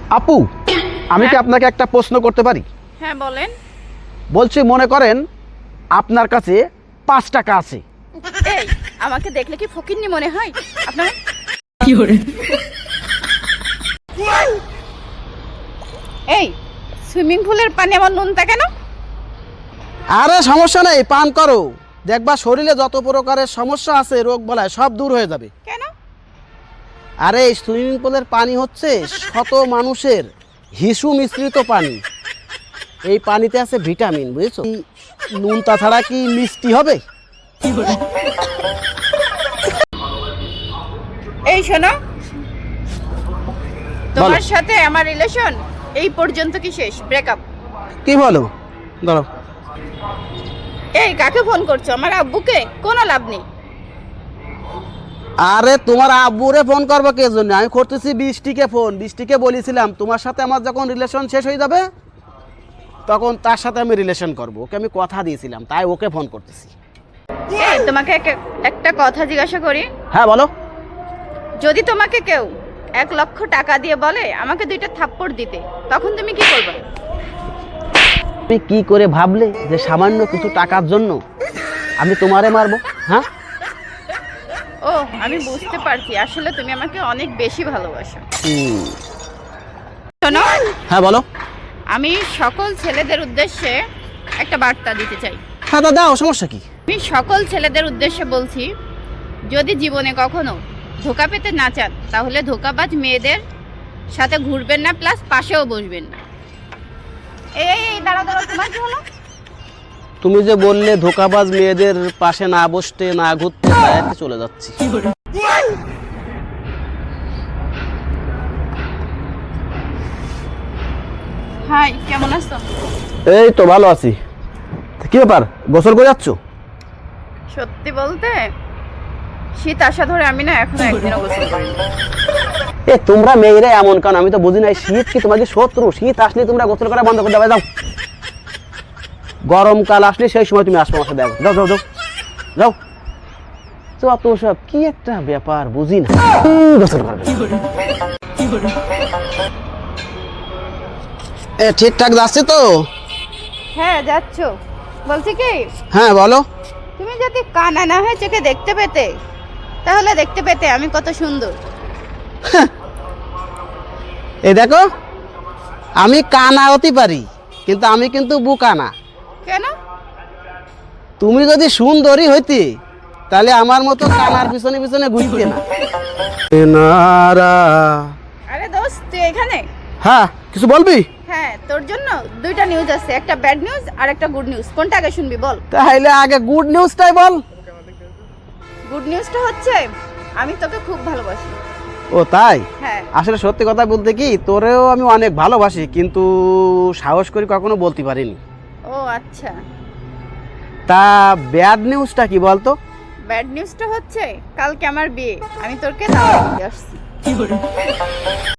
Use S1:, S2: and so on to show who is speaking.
S1: আপু, আমি কি আপনাকে একটা প্রশ্ন করতে পারি?
S2: হ্যাঁ বলেন।
S1: বলছি, মনে করেন আপনার কাছে 5 টাকা আছে।
S2: এই আমাকে দেখলে কি ফকিন্নি মনে হয় আপনার? এই সুইমিং পুলের পানি আমার নুনতা কেন?
S1: আরে সমস্যা নেই, পান করো, দেখবা শরীরে যত প্রকারের সমস্যা আছে, রোগ বলায় সব দূর হয়ে যাবে।
S2: কেন?
S1: আরে এই সুইমিং পুলের পানি হচ্ছে শত মানুষের হিসু মিশ্রিত পানি। এই পানিতে আছে ভিটামিন, বুঝেছো? নুনতা ছাড়া কি মিষ্টি হবে?
S2: এই শোনো, তোমার সাথে আমার রিলেশন এই পর্যন্ত কি শেষ? ব্রেকআপ?
S1: কি বলো? ধরো।
S2: এই কাকে ফোন করছো? আমার আব্বুকে? কোনো লাভ নেই।
S1: আরে তোমার আব্বুরে ফোন করবো কে জন্য? আমি করতেছি বৃষ্টিকে ফোন। বৃষ্টিকে বলেছিলাম তোমার সাথে আমার যখন রিলেশন শেষ হয়ে যাবে তখন তার সাথে আমি রিলেশন করব। ওকে আমি কথা দিয়েছিলাম, তাই ওকে ফোন করতেছি।
S2: এই তোমাকে একটা কথা জিজ্ঞাসা করি।
S1: হ্যাঁ বলো।
S2: যদি তোমাকে কেউ 1 লক্ষ টাকা দিয়ে বলে আমাকে 2টা থাপ্পড় দিতে, তখন তুমি কি করবে?
S1: তুমি কি করে ভাবলে যে সামান্য কিছু টাকার জন্য আমি তোমারে মারবো? হ্যাঁ,
S2: ও আমি বুঝতে পারছি, আসলে তুমি আমাকে অনেক বেশি ভালোবাসো। শোনো,
S1: হ্যাঁ বলো।
S2: আমি সকল ছেলেদের উদ্দেশ্যে একটা বার্তা দিতে চাই।
S1: হ্যাঁ দাও, সমস্যা কি?
S2: আমি সকল ছেলেদের উদ্দেশ্যে বলছি, যদি জীবনে কখনো ধোকা পেতে না চান তাহলে ধোকাবাজ মেয়েদের সাথে ঘুরবেন না, প্লাস পাশেও বসবেন না। এই দাঁড়াও দাঁড়াও, তোমার কি হলো?
S1: তুমি যে বললে ধোকাবাজ মেয়েদের পাশে না বসতে, না ঘুরতে, তাই চলে যাচ্ছি।
S2: হাই, কেমন আছো?
S1: এই তো ভালো আছি। কি ব্যাপার, গোসল করে যাচ্ছ?
S2: সত্যি বলতে শীত আসা ধরে আমি না এখনো একদিনও গোসল করিনি।
S1: এ তোমরা মেয়েরা এমন, কারণ আমি তো বুঝি না, শীত কি তোমার কি শত্রু? শীত আসলে তোমরা গোসল করা বন্ধ করে দেবে, যাও। গরমকাল আসলে সেই সময় তুমি আসবো আমার সাথে, যাও যাও যাও যাও। যত সব কি একটা ব্যাপার বুঝি না, গোসল করবে। এ ঠিকঠাক যাচ্ছে তো?
S2: হ্যাঁ যাচ্ছো। বলছি কি,
S1: হ্যাঁ বলো।
S2: তুমি যদি কানা না হয়ে চোখে দেখতে পেতে, তাহলে দেখতে পেতে আমি কত সুন্দর।
S1: এই দেখো, আমি কানা হতে পারি কিন্তু আমি কিন্তু বুকা না।
S2: কেন?
S1: তুমি যদি সুন্দরী হইতে তাহলে আমার মতো কানার পিছনে পিছনে ঘুরতে না।
S2: আরে দোস্ত, তুই এখানে?
S1: হ্যাঁ, কিছু বলবি?
S2: হ্যাঁ, তোর জন্য 2টা নিউজ আছে, একটা ব্যাড নিউজ আর একটা গুড নিউজ। কোনটা আগে শুনবি বল?
S1: তাহলে আগে গুড নিউজটাই বল।
S2: গুড নিউজটা হচ্ছে আমি তোকে খুব ভালোবাসি।
S1: ও তাই?
S2: হ্যাঁ।
S1: আসলে সত্যি কথা বলতে কি, তোরেও আমি অনেক ভালোবাসি, কিন্তু সাহস করে কখনো বলতে পারিনি।
S2: ও আচ্ছা।
S1: তা ব্যাড নিউজটা কি বলতো?
S2: ব্যাড নিউজটা হচ্ছে কালকে আমার বিয়ে, আমি তোকে দাওয়াত দিতে আসছি।